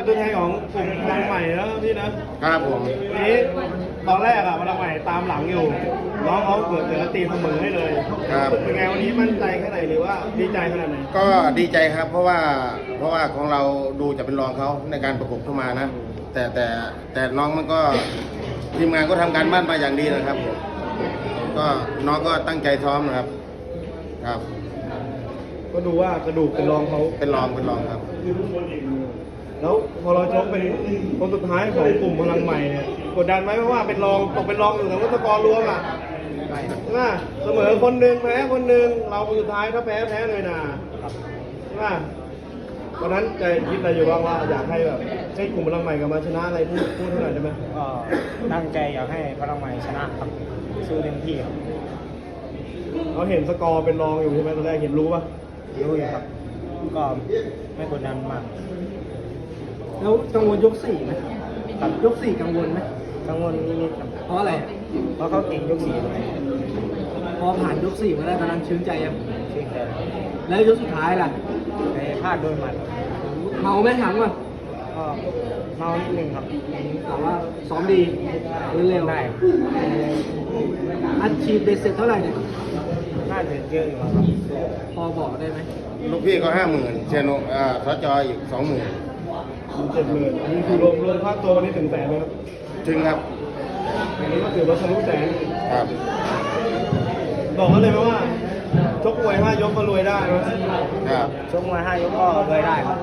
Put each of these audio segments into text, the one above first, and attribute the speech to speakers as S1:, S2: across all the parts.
S1: เป็นตัวแทนของกลุ่มพลังใหม่แล้วพี่นะครับ
S2: ผม
S1: วันนี้ตอนแรกอะพลังใหม่ตามหลังอยู่น้องเขาเกิดจะตีเสมอให้เลย
S2: ครับ
S1: เป็นไงวันนี้มั่นใจแค่ไหนหรือว่าดีใจขนาดไหน
S2: ก็ดีใจครับเพราะว่าของเราดูจะเป็นรองเขาในการประกบเข้ามานะแต่น้องมันก็ทีมงานก็ทำการบ้านมาอย่างดีนะครับผมก็น้องก็ตั้งใจซ้อมนะครับครับ
S1: ก็ดูว่ากระดูกเป็นรองเขา
S2: เป็นรองครับ
S1: แล้วพอเราชกเป็นคนสุดท้ายของกลุ่มพลังใหม่เนี่ยกดดันไหมเพราะว่าเป็นรองตกเป็นรองอยู่แต่ว่าสกอร์รวมอ่ะใช่ไหมเสมอคนหนึ่งแพ้คนหนึ่งเราคนสุดท้ายถ้าแพ้เลยนะใช่ไหมตอนนั้นใจคิดอะไรอยู่บ้างว่าอยากให้แบบให้กลุ่มพลังใหม่กลับมาชนะอะไรพูดเท่าไหร่ได้ไหม
S3: ก็ตั้งใจอยากให้พลังใหม่ชนะครับสู้เต็มที่ครับ
S1: เขาเห็นสกอร์เป็นรองอยู่ใช่ไหมตอนแรกเห็นรู้ป่ะ
S3: รู้อยู่ครับก็ไม่กดดันมาก
S1: แล้วกังวลยกสี่ไหมครับยกสี่กังวลไหม
S3: กังวลนิดๆครับ
S1: เพราะอะไร
S3: เพราะเขาเก่งยกสี่เลย
S1: พอผ่านยกสี่มาได้ตอนนั้นชื้นใจยัง
S3: ชื่นใจ
S1: แล้วยกสุดท้ายล่ะ
S3: แต่พลาดโดยหมัด
S1: เมาไหมถามก่อน
S3: ก็เมานิดนึงครับ
S1: แต่ว่าซ้อมดีเร็ว
S3: ได้
S1: อัดฉีดเบสเสร็จเท่าไหร่เนี่ย
S3: น่าจะเยอะอยู่ครับ
S1: พอบอกได้ไหม
S2: ลูกพี่ก็50,000เชนสจอีก20,000
S1: 70,000อันนี้คือรวมค่าตัววันนี้ถึงแสนไหมครับ
S2: ถึงครับ
S1: อันนี้ก็ถือว่าทะลุแสน
S2: ครับ
S1: บอกเขาเลยไหมว่าชกมวย5 ยกก็รวยได้ไหม
S2: ครับ
S3: ชกมวย5 ยกก็รวยได้ครับ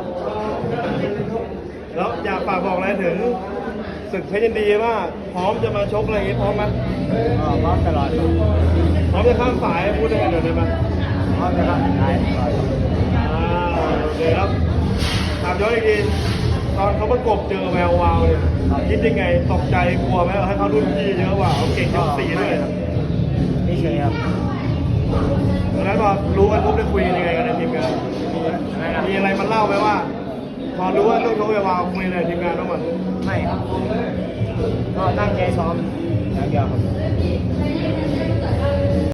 S1: แล้วอยากฝากบอกอะไรถึงศึกเพชรยินดีว่าพร้อมจะมาชกอะไรอย่างนี้พร้อมไหม
S3: พร้อมตลอด
S1: พร้อมจะข้ามสายพูดได้กันได้ไหม
S3: พร้อมจะข้ามสาย
S1: โอเคครับถามย้อนอีกทีตอนเขาประกบเจอแวววาวเนี่ยคิดยังไงตกใจกลัวไหมให้เขารุ่นพี่เยอะกว่าเขาเก่งยก4ด้วย
S3: นี่เฉยครับ
S1: ตอนนั้นพอรู้กันปุ๊บได้คุยยังไงกันในทีมงานมีอะไรมันเล่าไหมว่าพอรู้ว่าต้องชกแวววาวคุยในทีมงานต้องมัน
S3: ไม่ครับก็ตั้งใจซ้อมอย่างเดียวครับ